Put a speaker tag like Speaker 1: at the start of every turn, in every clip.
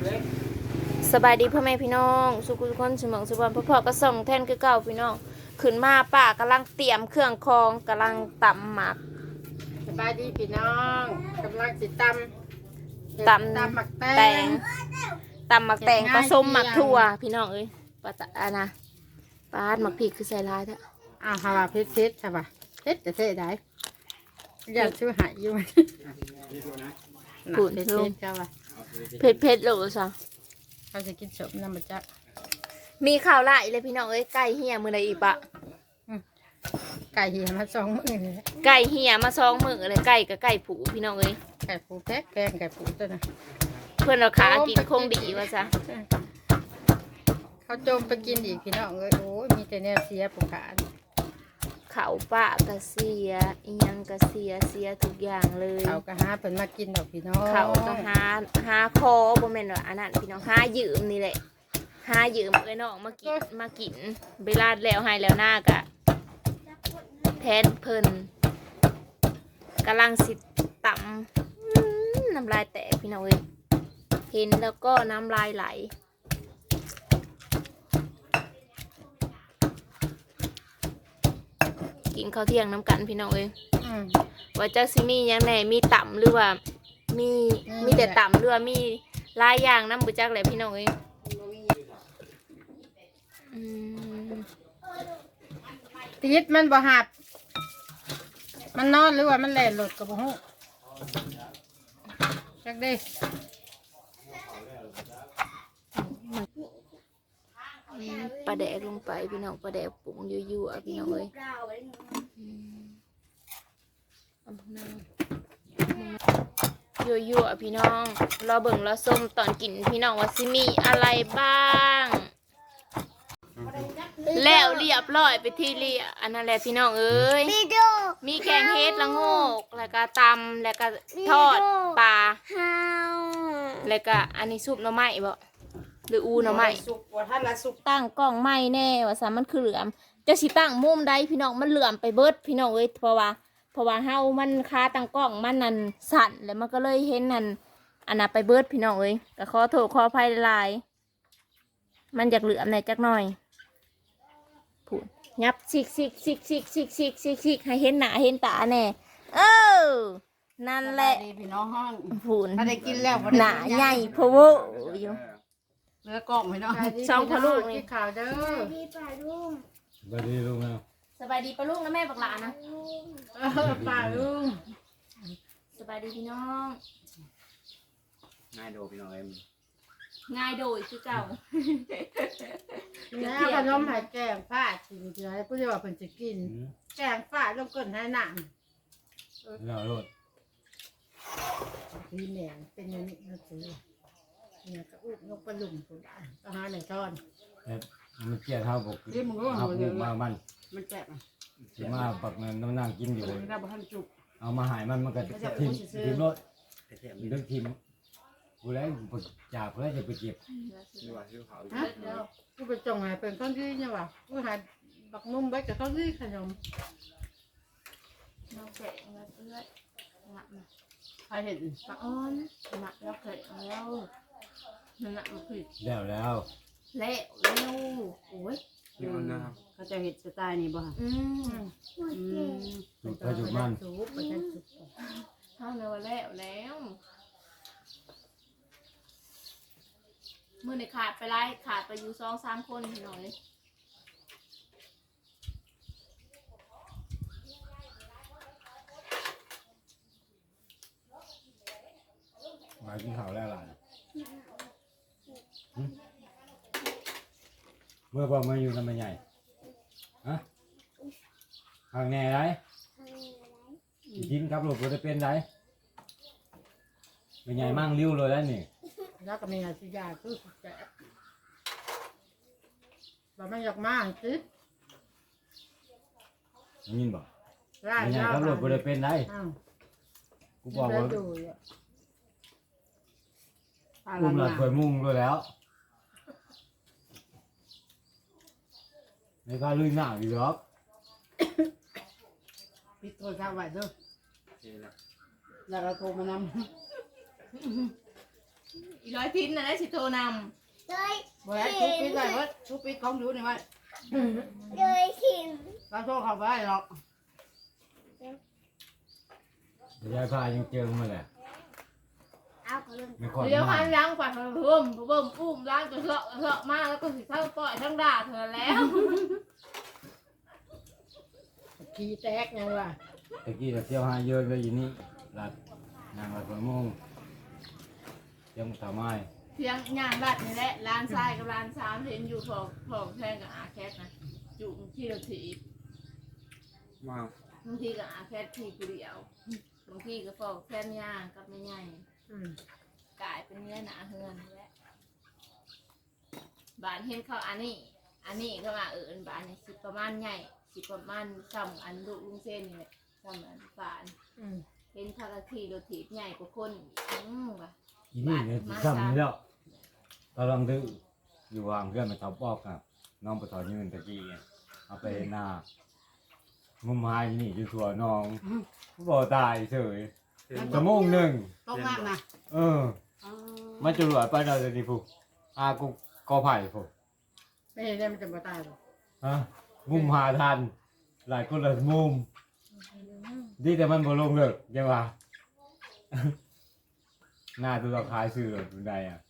Speaker 1: สบายดีพ่อแม่พี่น้องสุขุทุกคนสมองสุวรรณพ่อก็ส่งแทนคือเก่าพี่น้องขึ้นมาป้ากำลังเตรียมเครื่องคองกำลังตำหมัก
Speaker 2: สบายดีพี่น้องกำลังสิตำหมักแตง
Speaker 1: ตำหมักแตงผสมหมักถั่วพี่น้องเอ้ยปะตะนะปาดหมักพริกคือใส่ร้ายแท้
Speaker 2: ฮาวาเพชรใช่ป่ะเพชรจะเท่ได้อยากช่วยหายอยู่ไหม
Speaker 1: ขุ่นลูกเผ็ดโหลซะ
Speaker 2: เขาจะกินสมน้ำมันจัก
Speaker 1: มีข่าวไล่เลยพี่น้องเอ้ยไก่เหี่ยมือใดอีกปะ
Speaker 2: ไก่เหี่ยมา2 มื้อเลย
Speaker 1: ไก่เหี่ยมา2 มื้อเลยไก่กับไก่ผูพี่น้องเอ้ย
Speaker 2: ไก่ผูแพงไก่ผูตัวน่ะ
Speaker 1: เพื่อนเราขากินคงดีว่าซะ
Speaker 2: เขาโจมไปกินอีกพี่น้องเอ้ยโอ้ยมีแต่แนวเสียผู้ขา
Speaker 1: เขาปะกะเสียอีหยังกะเสียทุกอย่างเลย
Speaker 2: เขาก็หาเพิ่นมากินดอกพี่น้อง
Speaker 1: เขาก็หาคอบ่แม่นว่าอันนั้นพี่น้องหายืมนี่แหละหายืมเอ้ยน้องมากินเวลาแล้วให้แล้วหน้ากะแทนเพิ่นกำลังสิตำน้ำลายแตกพี่น้องเอ้ยเห็นแล้วก็น้ำลายไหลกินข้าวเที่ยงน้ำกันพี่น้องเอ้ยว่าจักสิมียังไงมีต่ำหรือว่ามีแต่ต่ำหรือว่ามีหลายอย่างน้ำบุจักแหละพี่น้องเอ้ย
Speaker 2: ติดมันบ่หับมันนอนหรือว่ามันแหล่หลุดกับบ่ฮู้จักดิ
Speaker 1: ปลาแดกลงไปพี่น้องปลาแดกปรุงยั่วๆพี่น้องเอ้ยยั่วๆพี่น้องรอเบิ่งรอส้มตอนกินพี่น้องว่าซิมีอะไรบ้างแล้วเรียบร้อยไปที่เรียอันนั้นแหละพี่น้องเอ้ยมีแกงเฮ็ดละโงกแล้วก็ตำแล้วก็ทอดปลาแล้วก็อันนี้ซุปหน่อไม้บ่หรืออูหน่อไม้
Speaker 2: สุกว่าท่านละสุก
Speaker 1: ตั้งกล้องไม้แน่ว่าซะมันคือเหลื่อมจะสิตั้งมุมใดพี่น้องมันเหลื่อมไปเบิดพี่น้องเอ้ยเพราะว่าเฮามันคาตั้งกล้องมันนั่นสั่นแล้วมันก็เลยเห็นนั่นอันน่ะไปเบิดพี่น้องเอ้ยก็ขอโทษขออภัยหลายมันอยากเหลื่อมในจักหน่อยพูดยับซิกให้เห็นหน้าเห็นตาแน่นั่นแหละ
Speaker 2: พี่น้องห้อง
Speaker 1: พูด
Speaker 2: ถ้าได้กินแล้ว
Speaker 1: หน้าใหญ่พะโวอยู่
Speaker 2: เนื้อกล่องพี่น้อง
Speaker 1: 2พ่อลูกนี่
Speaker 2: ข่าวเด้อ
Speaker 3: สบายดีลุงนะ
Speaker 1: สบายดีปะลูกนะแม่บักหลานนะ
Speaker 2: ป่าลุง
Speaker 1: สบายดีพี่น้อง
Speaker 3: ง่ายโดพี่น้องเอ็ม
Speaker 1: ง่ายโดยคือเก่า
Speaker 2: แล้วขนมหายแกงผ้ากินเดี๋ยวผู้ที่ว่าเพิ่นจะกินแกงผ้าลงก้นให้หนัง
Speaker 3: เราโลด
Speaker 2: พี่แหนงเป็นอย่างนี้นะสิเนี่ยก็อุ้มนกปลาหลุมตัวได้ก็หาไหนทอน
Speaker 3: มันเกี่ยเท่าบกเอาปลูกมา
Speaker 2: มันแจ่ม
Speaker 3: ถือมาปักนั่งกินอยู่เอามาหายมันก็ทิมรถเรื่องทิมกูแล้วจากแล้วจะไปเก็บ
Speaker 2: กูไปจงหายเป็นข้าวที่เนี่ยว่ะกูหายบักนุ่มไว้กับข้าวที่ขนม
Speaker 1: น้องแกะเงินเอื้อยหนักนะ
Speaker 2: ใครเห็น
Speaker 1: ปลาอ้อนหนักแล้วแกะแล้วหนักมันผิด
Speaker 3: แล้วเร็ว
Speaker 1: โอ้ย
Speaker 2: เขาจะเห็ดสไตล์นี้บ่ฮะ
Speaker 3: ถูกไปถูกมัน
Speaker 1: เท่านั้นว่าแล้วเมื่อในขาดไปอยู่2-3 คนหน่อย
Speaker 3: มากินข้าวแล้วล่ะเมื่อพอมาอยู่ทำไมใหญ่ฮะห่างแน่ไรกินครับลูกจะเป็นไรเป็นใหญ่มั่งริ้วเลยแล้วนี่
Speaker 2: แล้วก็มีอาชีพยาคือแก่เราไม่อยากมากสิ
Speaker 3: ยินบอกเป็นใหญ่ครับลูกจะเป็นไรกูบอกว่าอุ้มหลับเคยมุ่งด้วยแล้วในการลุยหน้าอยู่หรอก
Speaker 2: ปิดตัวข้าวไว้ด้วยแล้วเราโทรมานำ
Speaker 1: อีร้อยทิ้นนะได้สิโทรน
Speaker 2: บ่ได้ทุกปีได้เว้ยทุกปีของอยู่นี่ไว้
Speaker 4: เลยขิม
Speaker 2: เราโทรเข้าไปหรอก
Speaker 3: ยายพายังเจอมาแหละ
Speaker 4: เอาเขาเรื่อง
Speaker 3: ไม่
Speaker 1: ำ
Speaker 3: ค่อย
Speaker 1: เดี๋ยว
Speaker 3: มา
Speaker 1: พันล้างปัดเพิ่มอุ้มล้างจะเลาะมาแล้วก็สิทั้งปล่อยทั้งด่าเธอแล้ว
Speaker 2: ขี้แตกยังว่ะ
Speaker 3: ตะกี้เราเที่ยวหาเยอะเลยอยู่นี่หลัดนางหลัดหัวโมงยังทำไม
Speaker 1: เพียงงานบัดนี่แหละร้านทรายกับร้านสามเห็นอยู่ของแทงกับอาแคทนะจุ่มที่เราถีบบางทีกับอาแคททีกูเดียวบางทีก็ฟอกแค่ย่างกับไม่ใหญ่ กลายเป็นเนื้อหนาเฮือนและบานเห็นเขาอันนี้ก็มาบานเนี่ยสิประมาณใหญ่สิประมาณซ้ำอันลูกลุงเส้นนี่แหละซ้ำอันบานเห็นพาราทีโรถีบใหญ่กว่าคนว่ะ
Speaker 3: อีนี่เนี่ยซ้ำนี่แล้วกำลังดื้ออยู่วางเพื่อนมาทับปอกครับน้องปะทอยืนตะกี้เอาไปหน้ามุมหายนี่อยู่ถั่วน้องบ่ตายเฉยชั่วโมงหนึ่ง
Speaker 2: ต้องมากนะ
Speaker 3: มาจรวดไปเราจะดีผูกูกอไผ่ผู
Speaker 2: ไม่เห็นได้มันจะมาตายหรอก
Speaker 3: ฮะมุมหาทันหลายคนละมุมดีแต่มันบ่ลงเลิกยังวะ หน้าตัวเราคล้ายซื้อเลยทุนใดอ่ะ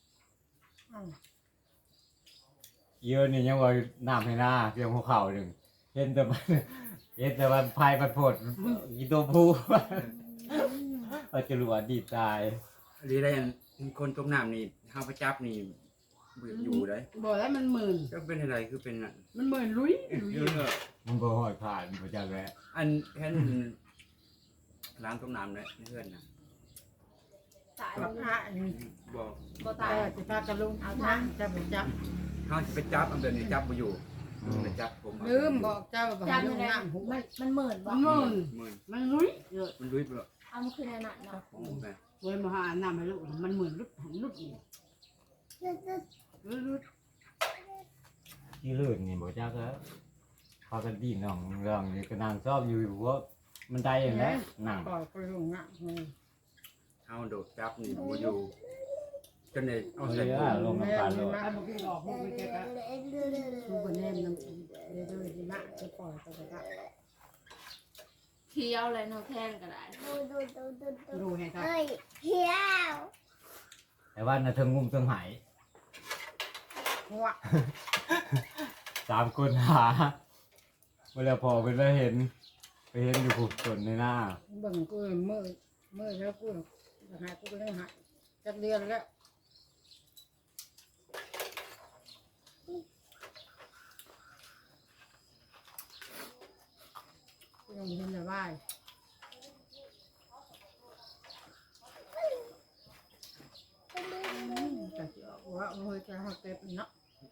Speaker 3: เยอะนี่ยังว่าน้ำให้หน้าเพียงหัวเข่าหนึ่งเห็นแต่มัน เห็นแต่มันพายมันโผดอีตัวผู้ เราจะรู้ว่าดีตาย
Speaker 5: หรือได้อันคนตกน้ำนี่ห้าวประจับนี่บ่อยู่ได้
Speaker 2: บอกแล้วมันหมื่น
Speaker 5: ก็เป็นอะไรคือเป็นอัน
Speaker 2: มันหมื่นลุย
Speaker 5: เยอะ
Speaker 3: มันบ่หอยผ่านมันบ่จักแล้ว
Speaker 5: อันแค่นล้างตกน้ำเลยเพื่อนนะ
Speaker 1: ตาย
Speaker 2: กับพระอันนี้
Speaker 5: บอก
Speaker 1: ก็
Speaker 2: ตา
Speaker 1: ตาย ย
Speaker 2: จะพากันลุงเอานะจะไปจับ
Speaker 5: ห้าวจะไปจับอันเดินนี่จับบ่อยู่ไปจับผม
Speaker 2: ลืมบอกเจ้าบอก
Speaker 1: จาน
Speaker 2: ลุ
Speaker 1: อะ
Speaker 2: ง
Speaker 1: ไร
Speaker 2: น้ำหู
Speaker 1: มันเหมือน
Speaker 2: มั
Speaker 1: ว่ะ
Speaker 2: นหมื่น
Speaker 5: หมื่น
Speaker 2: มันลุยเยอะ
Speaker 5: มันลุยไปแล้ว
Speaker 1: เอามันคือในนั้นเนาะ
Speaker 5: โอ้แม่
Speaker 2: เว้ยมาหาน้ำให้ลูกมันหมื่นลุดหันลุดนี่ลุด
Speaker 3: ที่ลื่นนี่บ่จักแล้วพากันดีน้องเรื่องนี่ก็นั่งชอบอยู่ว่ามันได้อย่างนั้นนั่ง
Speaker 2: ปล่อยไปลุงน้ำ
Speaker 5: ห้าวโดดจับนี่บ่อยู่จนได้เอา
Speaker 3: เอา
Speaker 5: ใส่
Speaker 3: เลย
Speaker 5: ถุ
Speaker 3: อ่ะ
Speaker 5: ง
Speaker 3: ลงน้ำตาลเลย
Speaker 2: มาเมื่อกี้หลอกพวกไปเจ๊กะคือคนแนมน้ำเดี๋ยวจะมาจะปล่อยไปก็
Speaker 1: เคี้ยวอะไรเนาะแทนก็ได้
Speaker 2: ดูให้ครับ
Speaker 4: เฮ้ยเที่ยว
Speaker 3: แต่ว่าน่ะเทิงงุ่มเทิงหาย
Speaker 2: หัว
Speaker 3: 3 คนหาเวลาพอไปแล้วเห็นไปเห็นอยู่ผูกส่วนในหน้า
Speaker 2: เบิ่งกูมือแล้วกูหายกูก็ยังหายจับเดือนแล้วยังเห็นแต่ว่าแต่ว่าเฮ้ยจะหักเก็บเนาะ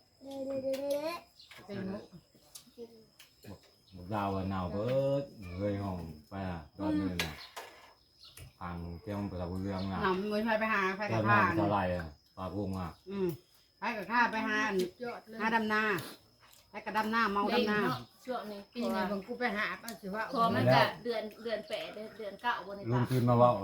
Speaker 2: เป็นมุก
Speaker 3: บอกดาวว่าหนาวเบิดเลยห้องไปอ่ะตอนนี้น่ะพังเจ้าประตูเรื่องน่ะ
Speaker 2: หนำมือไปหาไป
Speaker 3: ตอ
Speaker 2: กับ
Speaker 3: น
Speaker 2: ข้า
Speaker 3: นั้นเท่าไหร่อ่ะปลาพุงอ่ะ
Speaker 2: ไปกับข้าไปหาหาดำนาไปกับดำนาเมาดำนา
Speaker 1: เนาะช่วงนี้
Speaker 2: ปีนี้บางกูไปหาก็ถือว่า
Speaker 1: พอมันจะเดือน8เดือน9บนใน
Speaker 3: ลุง
Speaker 1: ตา
Speaker 3: ตื่นมาว่า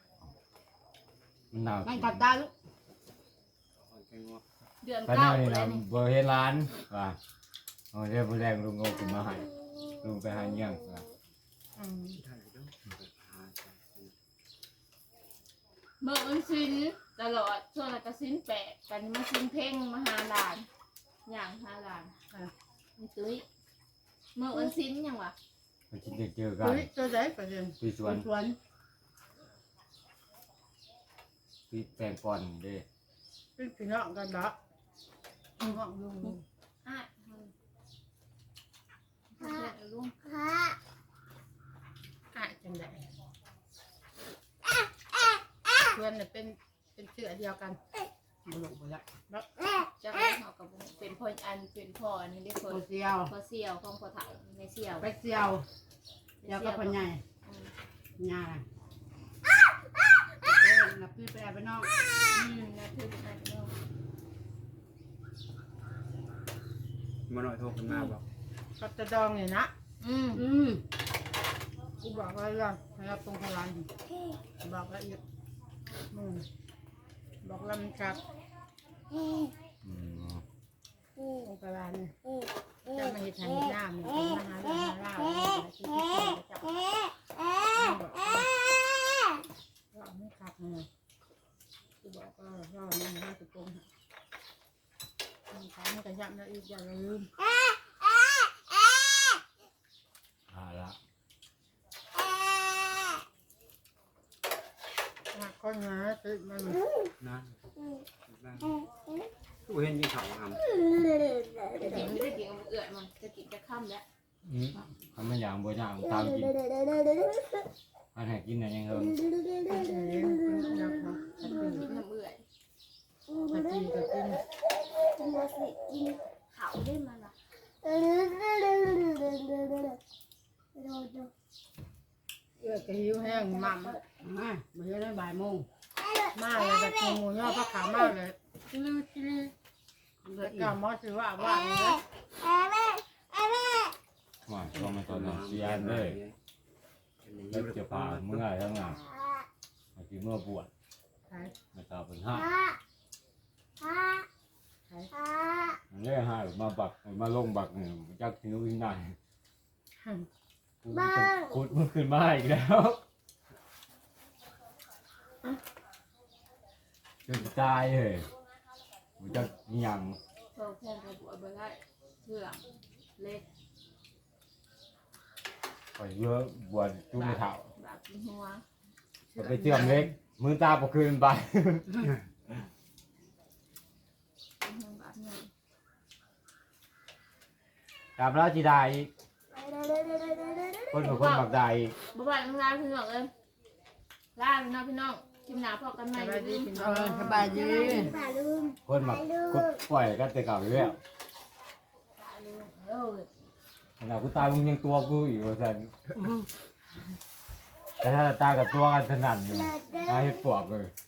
Speaker 3: มันหนาว
Speaker 2: มันกัดตาลูก
Speaker 5: เอาแค่งว
Speaker 1: เดือน
Speaker 3: ตอน
Speaker 1: 9
Speaker 3: นี้
Speaker 1: เล
Speaker 3: นะ
Speaker 1: ยนี่
Speaker 3: บ่เห็นร้านว่าเอาเดี๋ยวมื้อแรงลุงเอาขึ้นมาให้ลุงไปหาเงี้ยงว่า
Speaker 5: ได้อยู่เด้อหาใส่
Speaker 1: เมื่อวันสิ้นตลอดช่วงนั้นก็สิ้น8กันมาสิ้นเพ่งมาหาหลานอย่างหาหลานนี่ตุ้ยเมื่อวันสิ้นยังวะ
Speaker 3: มันสิได้เจอกัน
Speaker 2: เฮ้ยตัวไหนประเด็น
Speaker 3: ที่สวน
Speaker 2: สวน
Speaker 3: ที่แปลงก่อนเด้
Speaker 2: เป็นพี่น้องกันดอกห้องลุง
Speaker 1: อ่ะลุง
Speaker 4: พระ
Speaker 2: อ่ะจังไดเพื่อนเนี่ยเป็นเสือเดียวกันบุลุกไปละแล้ว
Speaker 1: จะให้เขากับเป็นพ่อเป็นพ่ออันนี้ได้ค
Speaker 2: ตั
Speaker 1: น
Speaker 2: วเสียว
Speaker 1: พ่อเสี่ยวของพ่อเฒ่าในเสี่ยว
Speaker 2: ไปเสียวเดียวก็พ่อใหญ่ใหญ่นับพี่ไปแอบไปนอก
Speaker 1: นะคือเป็นอะไรเนาะ
Speaker 5: มาหน่อยโทรขึ้นมาบอก
Speaker 2: กับตะดองเนี่ยนะ
Speaker 1: อืม
Speaker 2: กูบอกไว้แล้วนะครับตรงพลานบอกละเอียดบอกลำครับ
Speaker 3: อืม
Speaker 2: องค์การเนี่ยจะมาเห็ดหาเห็ดน้ำเนี่ยมาหาเรื่องหาเล่าที่ที่จะจับว่าไม่ขับเลยกูบอกก็รอมันให้ตุกงเขาไม่กระยับนะอีกอย่าลืม
Speaker 3: ละ
Speaker 2: หักก้อนเนื้อติดมัน
Speaker 5: นะตู้เห็นยี่เขาทำ
Speaker 1: จะกินไม่ได้กินกับเอื่อยมันจะกินจะค่ำแล้ว
Speaker 3: ทำมันอย่างบ่อย่างตามกินอันไหนกินอะไรยังเฮง
Speaker 2: นักเนาะ
Speaker 1: กินน้ำเอื่อย
Speaker 2: ตะกี้ก็กิน
Speaker 4: มาสิกินเขาได้มาละ
Speaker 2: เอื้อกระหิวแห้งมั่มมาเมื่อได้บ่ายโมงมาเลยแบบงูย่อพระขามากเลยลื้อลื้อเด็กกำมอสือว่าเลย
Speaker 3: ว่าต้องมาตอนนั้นเสียนเลยแล้วจะพาเมื่อทั้งนั้นมาที่เมื่อบวช
Speaker 2: ใช่
Speaker 3: มาตาเป็นห้า
Speaker 2: ใช่
Speaker 3: อันนี้ห้ามาบักมาลงบักหนึ่งจักที่นู้นที่ไหนขุดมันขึ้นมาอีกแล้วจนตายเลยมันจะยัง
Speaker 1: โตแค่กระบวไปได้เชื่อเล็ก
Speaker 3: ไปเยอะบวชจุ่มเท้า
Speaker 1: แบบกินหัว
Speaker 3: ไปเชื่อมเล็กมือตาปกคืนไป
Speaker 1: กินหัวแบบนี้
Speaker 3: กลับแล้วจีได้คนกับคนบักได้
Speaker 1: บ๊ายบายน้องลาพี่น้องเอ้ยลาพี่น้องพี่น้องกินหนาพอกันใหม่
Speaker 2: สบายดี
Speaker 1: ดี
Speaker 2: พี่น้องสบายดี
Speaker 4: ป่าลืม
Speaker 3: คนบักกุดปล่อยกันแต่เก่าอยู่แล้ว
Speaker 1: เออ
Speaker 3: ขนาดกูตายมึงยังตัวกูอีกว่าสันแต่ถ้าตากับตัวกันถนัดอยู่ตาให้ปวกเลย